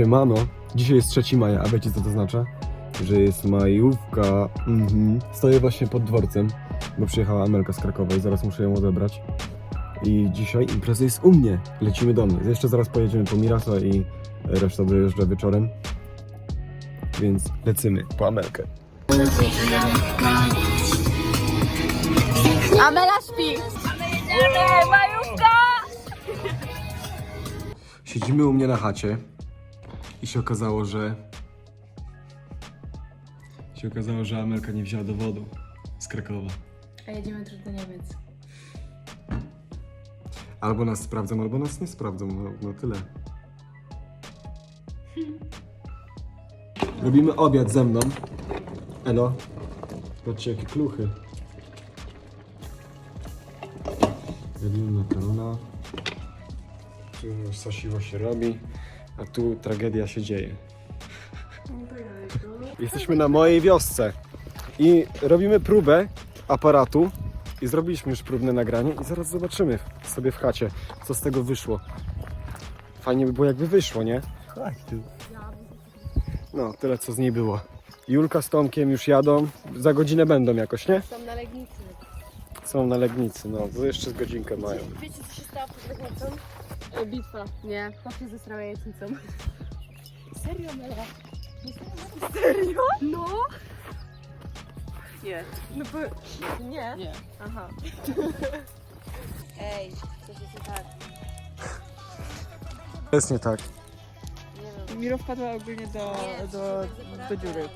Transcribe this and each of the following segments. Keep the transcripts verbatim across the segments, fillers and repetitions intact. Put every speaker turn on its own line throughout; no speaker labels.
Siemano, dzisiaj jest trzeciego maja, a wiecie co to oznacza? Że jest majówka. Mhm. Stoję właśnie pod dworcem, bo przyjechała Amelka z Krakowa i zaraz muszę ją odebrać. I dzisiaj impreza jest u mnie. Lecimy do mnie. Jeszcze zaraz pojedziemy po Mirasa i reszta dojeżdża wieczorem. Więc lecimy po Amelkę.
Amela śpi! Jedziemy! Majówka!
Siedzimy u mnie na chacie i się okazało, że się okazało, że Amelka nie wzięła dowodu z Krakowa.
A jedziemy też do Niemiec.
Albo nas sprawdzą, albo nas nie sprawdzą, no, no tyle. Robimy obiad ze mną. Elo. Patrzcie jakie kluchy. Robimy makarona. Tu już sosiło się robi, a tu tragedia się dzieje. Jesteśmy na mojej wiosce i robimy próbę aparatu i zrobiliśmy już próbne nagranie i zaraz zobaczymy sobie w chacie, co z tego wyszło. Fajnie by było jakby wyszło, nie? No, tyle co z niej było. Julka z Tomkiem już jadą, za godzinę będą jakoś, nie?
Są na Legnicy.
Są na Legnicy, no, to jeszcze z godzinkę mają.
Wiecie co się stało pod Legnicą? E, bitwa. Nie, chłopcy zesrały jajecznicą. Serio, Mela? Serio? No? Nie. No bo... Nie? Nie. Aha. Ej, coś jest nie tak.
To jest nie tak.
Nie wiem.
Miro wpadła ogólnie do, do, do dziury.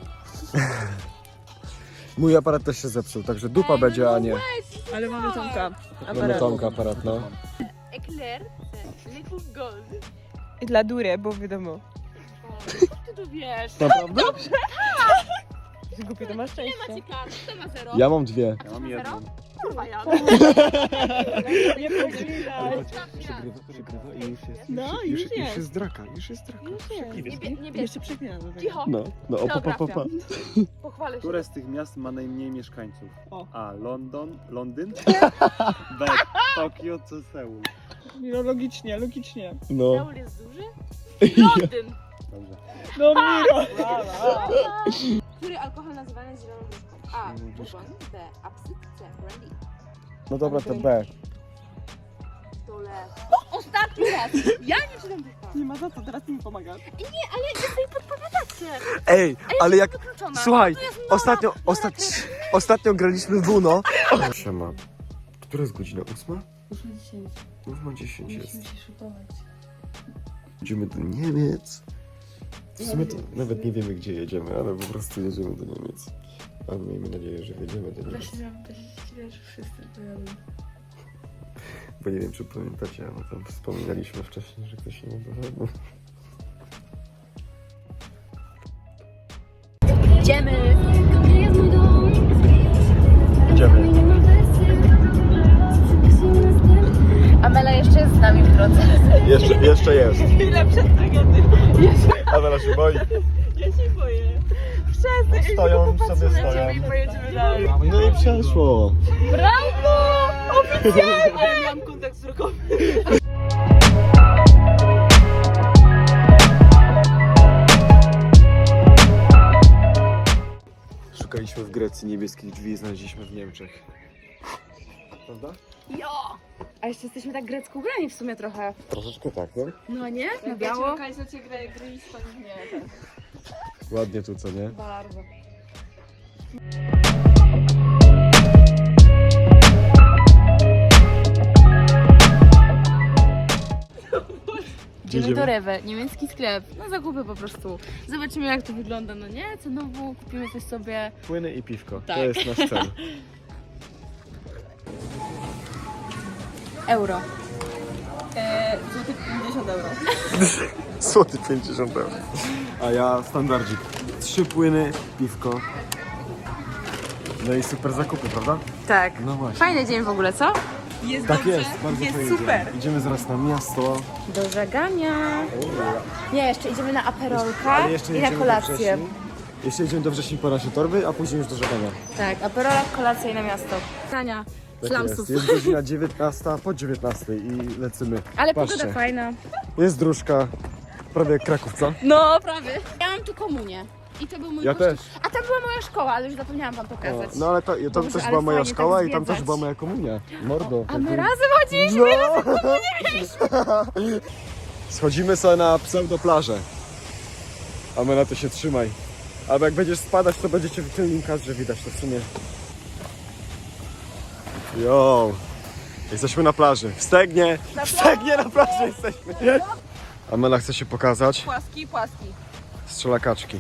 Mój aparat też się zepsuł, także dupa będzie, a nie.
Ale mamy Tomka.
Mamy Tomka aparat, no.
Eclair, liquid gold.
I dla dury, bo wiadomo.
Ty to wiesz.
Naprawdę?
Że głupie to masz
Nie
szczęście.
macie kart, kto ma zero?
Ja mam dwie.
Ja mam jedną.
Kurwa ja.
Nie podzielać.
Przegrywa, przegrywa i już jest.
No,
już,
już
już
jest.
jest draka, już jest draka.
Nie, bie, nie bierz.
Jeszcze przeklinam do tego.
Cicho.
No, no, o, pa, pa, pa, pa.
Pochwalę się.
Które z tych miast ma najmniej mieszkańców?
O.
A. London, Londyn. B. Tokio czy Seul.
Miro, logicznie, logicznie.
No.
Seul jest duży? Londyn.
Dobrze.
No Miro!
Który alkohol nazywany jest zieloną wróżką? A. Bourbon. B. Absyt. C. Brandy.
No dobra, to B.
Dole. Ostatni raz. Ja nie czytam tych kart.
Nie ma za co, teraz ty mi pomagasz.
Nie, ale wy sobie podpowiadacie.
Ej, ale jak...
Wykluczona.
Słuchaj,
To jest Nora.
ostatnio,
Nora
ostat...
Kres-
ostatnio graliśmy w Uno. Siema. Która jest godzina? Ósma?
Ósma dziesięć.
Ósma dziesięć jest.
Musimy się szykować.
Jedziemy do Niemiec. W sumie to nawet nie wiemy, gdzie jedziemy, ale po prostu jedziemy do Niemiec. Ale miejmy nadzieję, że jedziemy do Niemiec.
Właśnie miałam powiedzieć, że wszyscy pojadą.
Bo nie wiem, czy pamiętacie, ale tam wspominaliśmy wcześniej, że ktoś nie doszedł.
Idziemy.
Idziemy.
Amela jeszcze jest z nami w drodze.
Jeszcze, jeszcze jest.
Chwilę przed tragedią.
Amela się boi.
Ja się boję. Przestań.
Stoją, sobie stoją.
I pojedziemy dalej.
No i przeszło.
Brawo!
Ale miałam kontakt wzrokowy.
Szukaliśmy w Grecji niebieskich drzwi i znaleźliśmy w Niemczech. Prawda?
Jo! A jeszcze jesteśmy tak grecko ubrani w sumie trochę.
Troszeczkę tak, no.
No nie? Na biało?
Lokalizacja gry, gry nie, tak.
Ładnie tu, co nie?
Bardzo. Idziemy do Rewe, niemiecki sklep, na zakupy po prostu. Zobaczymy jak to wygląda, no nie? Cenowo kupimy coś sobie.
Płyny i piwko.
Tak.
To jest nasz cel.
Euro.
Eee, złoty pięćdziesiąt euro.
Złoty pięćdziesiąt euro. A ja standardzik. Trzy płyny, piwko. No i super zakupy, prawda?
Tak.
No właśnie.
Fajny dzień w ogóle, co?
Jest
Tak
dobrze,
jest, bardzo
jest
fajnie.
super.
Idziemy zaraz na miasto.
Do żagania. Nie, jeszcze idziemy na aperolka
Ale jeszcze
i na
jedziemy do
kolację.
wrześni. Jeszcze jedziemy do wrześni po nasze torby, a później już do żegania.
Tak, aperolak, kolacja i na miasto. Tania,
Tak
ślamsów.
jest. Jest godzina dziewiętnasta, po dziewiętnastej i lecimy.
Ale
Patrzcie.
pogoda fajna.
Jest dróżka. prawie jak Kraków, co?
No, prawie. Ja mam tu komunię. I to był mój
Ja
kościół.
też.
A tam była moja szkoła, ale już zapomniałam wam
O,
pokazać.
no ale to, tam
Boże,
też
ale
była moja
fajnie
szkoła
tak
i tam też
zwiedzać.
była moja komunia. Mordo.
A my
jakby-
razem chodziliśmy.
No. Schodzimy sobie na pseudoplażę. A my na to się trzymaj. Albo jak będziesz spadać, to będziecie w tylnym kadrze widać to w sumie. Yo! Jesteśmy na plaży. W Stegnie! W Stegnie na plaży jesteśmy! Amela chce się pokazać.
Płaski, płaski.
Strzela kaczki.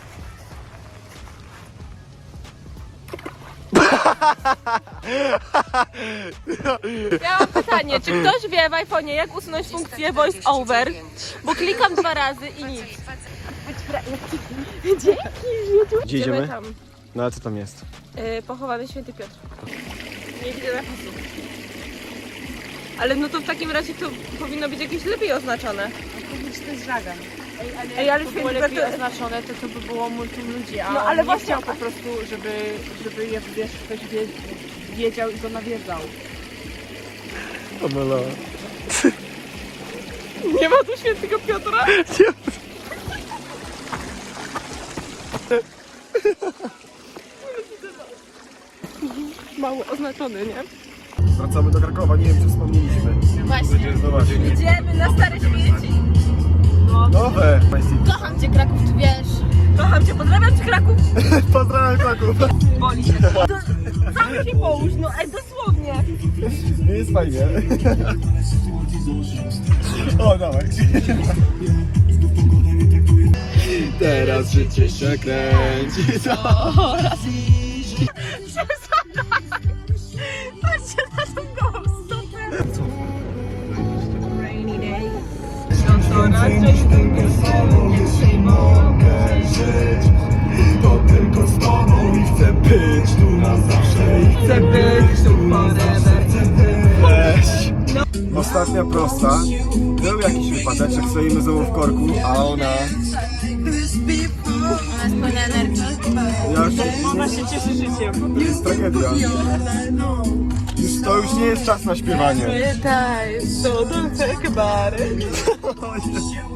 Ja mam pytanie, czy ktoś wie w iPhone'ie jak usunąć funkcję voice over? Bo klikam dwa razy i nic.
Gdzie idziemy?
tam.
No ale co tam jest?
Yy, pochowany Święty Piotr. Nie widzę napisu. Ale no to w takim razie to powinno być jakieś lepiej oznaczone.
To jest żagan.
Ej, ale
to było
Święty
lepiej
Piotr...
oznaczone, to to by było multum ludzi, a
No,
on
ale
nie
właśnie-
chciał po prostu, żeby, żeby je, wiesz, ktoś wie, wiedział i go nawiedzał.
Amela.
Nie ma tu Świętego Piotra? Mało oznaczony, nie?
Wracamy do Krakowa, nie wiem czy wspomnieliśmy.
Właśnie.
Zobaczcie.
Idziemy na stare śmieci.
Nowe!
Kocham cię, Kraków, ty wiesz.
Kocham cię, pozdrawiam cię Kraków.
Pozdrawiam Kraków!
Boli się. Sam się połóż, no ej, dosłownie.
Nie jest fajnie. O, dawaj. Teraz życie się kręci.
Patrzcie na tą gołą stopę. Rainy day. No to raczej
Nie mogę żyć, to tylko z tobą i chcę być tu na zawsze i
chcę być tu forever.
Weź. Ostatnia prosta. Był jakiś wypadeczek, stoimy znowu w korku, a ona...
Ona jest pełna energii.
Ja już...
Ona się cieszy życiem.
To jest tragedia. Już, to już nie jest czas na śpiewanie.
Pamiętaj, to do bary.